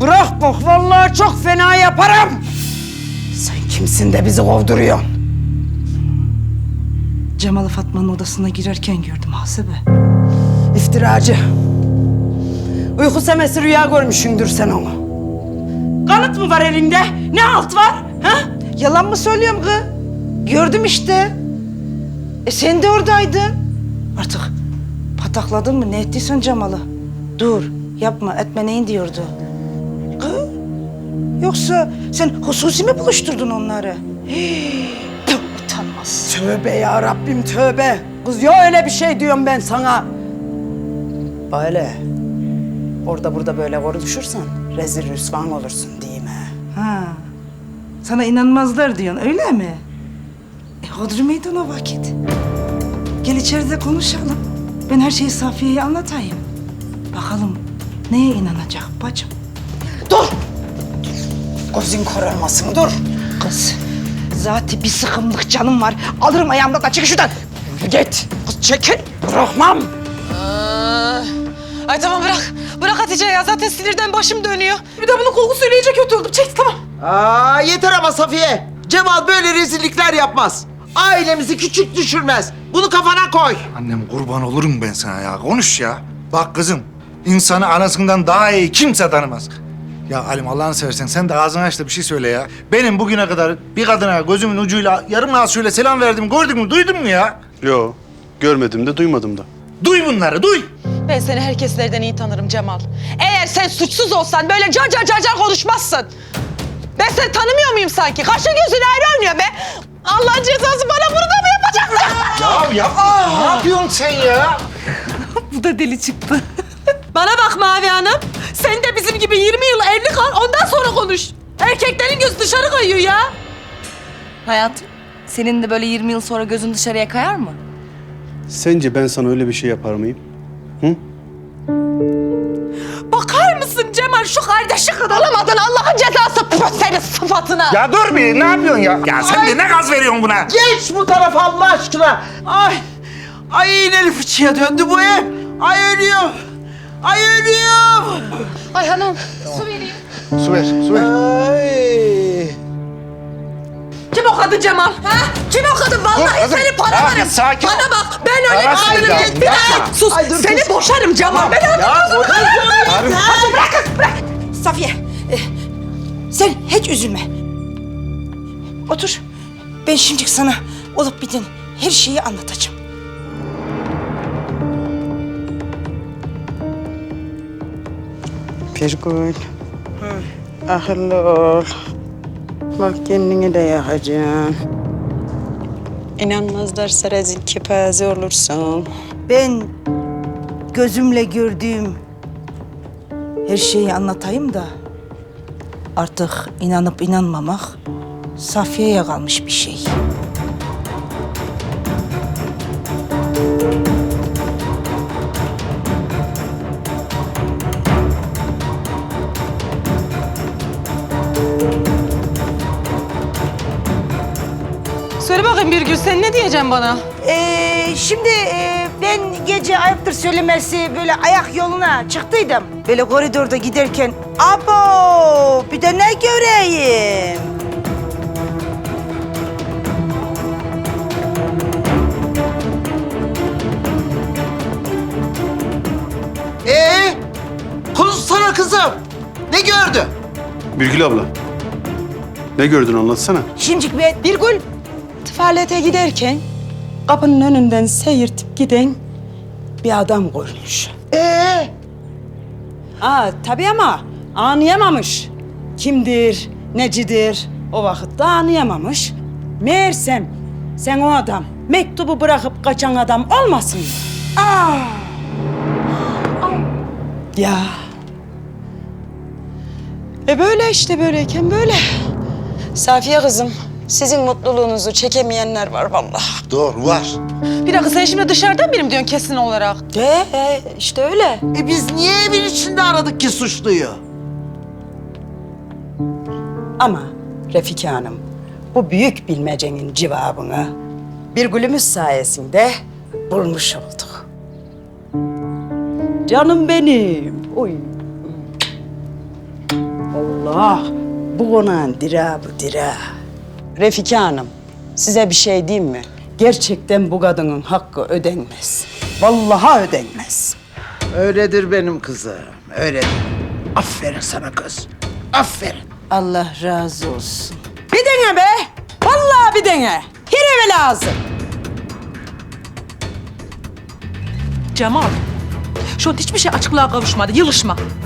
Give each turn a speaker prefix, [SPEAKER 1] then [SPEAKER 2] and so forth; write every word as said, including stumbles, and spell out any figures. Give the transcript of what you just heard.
[SPEAKER 1] Bırak bak, vallahi çok fena yaparım. Sen kimsin de bizi kovduruyorsun?
[SPEAKER 2] Cemal'ı Fatma'nın odasına girerken gördüm Hasibe.
[SPEAKER 1] İftiracı. Uyku semesi rüya görmüşsündür sen onu. Kanıt mı var elinde? Ne alt var? Ha?
[SPEAKER 2] Yalan mı söylüyorum kız? Gördüm işte. E sen de oradaydın. Artık patakladın mı? Ne ettiysen Cemal'ı? Dur, yapma, etme neyin diyordu? Kız? Yoksa sen hususi mi buluşturdun onları? Hii, tüh, utanmaz.
[SPEAKER 1] Tövbe ya Rabbim, tövbe. Kız ya öyle bir şey diyorum ben sana. Böyle. Orada burada böyle konuşursan rezil rüsvan olursun değil mi?
[SPEAKER 2] Ha, sana inanmazlar diyorsun, öyle mi? E hodri meydan o vakit. Gel içeride konuşalım. Ben her şeyi Safiye'ye anlatayım. Bakalım neye inanacak bacım?
[SPEAKER 1] Dur! Gözün kararmasın, dur.
[SPEAKER 2] Kız, zaten bir sıkımlık canım var. Alırım ayağımdan da çık şuradan.
[SPEAKER 1] Git. Kız çekil. Bırakmam.
[SPEAKER 3] Aa, ay tamam bırak. Bırak Hatice ya. Zaten sinirden başım dönüyor. Bir de bunun kokusuyla iyice kötü oldum. Çek tamam.
[SPEAKER 4] Aa, yeter ama Safiye. Cemal böyle rezillikler yapmaz. Ailemizi küçük düşürmez. Bunu kafana koy.
[SPEAKER 5] Annem kurban olurum ben sana ya. Konuş ya. Bak kızım, insanı anasından daha iyi kimse tanımaz. Ya Halim Allah'ını seversen sen de ağzını aç da bir şey söyle ya. Benim bugüne kadar bir kadına gözümün ucuyla yarım ağız şöyle selam verdim, gördün mü, duydun mu ya?
[SPEAKER 6] Yo, görmedim de duymadım da.
[SPEAKER 5] Duy bunları, duy.
[SPEAKER 3] Ben seni herkeslerden iyi tanırım Cemal. Eğer sen suçsuz olsan böyle car car car car konuşmazsın. Ben seni tanımıyor muyum sanki? Kaşın gözün ayrı oynuyor be. Allah'ın cezası bana bunu da mı yapacaksın?
[SPEAKER 5] Ya yapma, ne yapıyorsun sen ya?
[SPEAKER 2] Bu da deli çıktı.
[SPEAKER 3] Bana bak Mavi Hanım. Sen de bizim gibi yirmi yıl evli kal, ondan sonra konuş. Erkeklerin gözü dışarı kayıyor ya.
[SPEAKER 7] Hayatım, senin de böyle yirmi yıl sonra gözün dışarıya kayar mı?
[SPEAKER 6] Sence ben sana öyle bir şey yapar mıyım? Hı?
[SPEAKER 3] Bakar mısın Cemal şu kardeşi kadar alamadın Allah'ın cezası püf senin sıfatına.
[SPEAKER 5] Ya dur bir, ne yapıyorsun ya? Ya sen de ne gaz veriyorsun buna?
[SPEAKER 4] Geç bu tarafa Allah aşkına. Ay, ay iğneli fıçıya döndü bu ev. Ay ölüyorum. Ay ölüyorum.
[SPEAKER 3] Ay hanım su vereyim.
[SPEAKER 5] Su ver, su ver.
[SPEAKER 4] Ay.
[SPEAKER 3] Kim o kadın Cemal? Ha? Kim o kadın? Vallahi
[SPEAKER 5] kızım.
[SPEAKER 3] seni
[SPEAKER 5] Ya
[SPEAKER 3] paralarım.
[SPEAKER 5] bir sakin ol.
[SPEAKER 3] Bana bak ben öyle
[SPEAKER 5] Para
[SPEAKER 3] kadınım.
[SPEAKER 5] sevda,
[SPEAKER 3] Bir daha
[SPEAKER 5] yapma.
[SPEAKER 3] sus.
[SPEAKER 4] Ay, dur
[SPEAKER 3] seni
[SPEAKER 4] kız.
[SPEAKER 3] boşarım Cemal. Ben
[SPEAKER 4] Ya bu
[SPEAKER 2] Hadi bırak kız, bırak. Safiye, e, sen hiç üzülme. Otur. Ben şimdi sana olup biten her şeyi anlatacağım.
[SPEAKER 1] Birgül. Akıllı ol. Bak kendini de yakacaksın. İnanmazlarsa rezil kepaze olursun.
[SPEAKER 2] Ben gözümle gördüğüm her şeyi anlatayım da artık inanıp inanmamak Safiye'ye kalmış bir şey.
[SPEAKER 3] Söyle bakayım Birgül sen ne diyeceksin bana?
[SPEAKER 2] Ee, şimdi e, ben gece ayıptır söylemesi böyle ayak yoluna çıktıydım. Böyle koridorda giderken abo bir de ne göreyim?
[SPEAKER 4] Ee, konuşsana kızım. Ne gördün?
[SPEAKER 6] Birgül abla, ne gördün anlatsana.
[SPEAKER 2] Şimdi ben
[SPEAKER 3] Birgül tuvalete giderken kapının önünden seyirtip giden
[SPEAKER 1] Bir adam görmüş.
[SPEAKER 4] Ee,
[SPEAKER 1] Aa tabii ama anlayamamış. Kimdir, necidir o vakitte anlayamamış. Meğersem sen o adam mektubu bırakıp kaçan adam olmasın? Aa! Ya
[SPEAKER 3] E böyle işte böyleyken böyle. Safiye kızım, sizin mutluluğunuzu çekemeyenler var vallahi.
[SPEAKER 5] Doğru, var.
[SPEAKER 3] Bir dakika sen şimdi dışarıdan benim diyorsun kesin olarak.
[SPEAKER 1] de e, işte öyle.
[SPEAKER 4] e biz niye evin içinde aradık ki suçluyu?
[SPEAKER 1] Ama Refika Hanım bu büyük bilmecenin cevabını bir gülümüz sayesinde bulmuş olduk. Canım benim. Oy. Allah, bu konağın dira bu dira. Refika Hanım, size bir şey diyeyim mi? Gerçekten bu kadının hakkı ödenmez. Vallahi ödenmez.
[SPEAKER 4] Öyledir benim kızım, öyledir. Aferin sana kız, aferin.
[SPEAKER 2] Allah razı olsun.
[SPEAKER 1] Bir dene be! Vallahi bir dene. Her eve lazım.
[SPEAKER 3] Cemal, şu an hiçbir şey açıklığa kavuşmadı. Yılışma.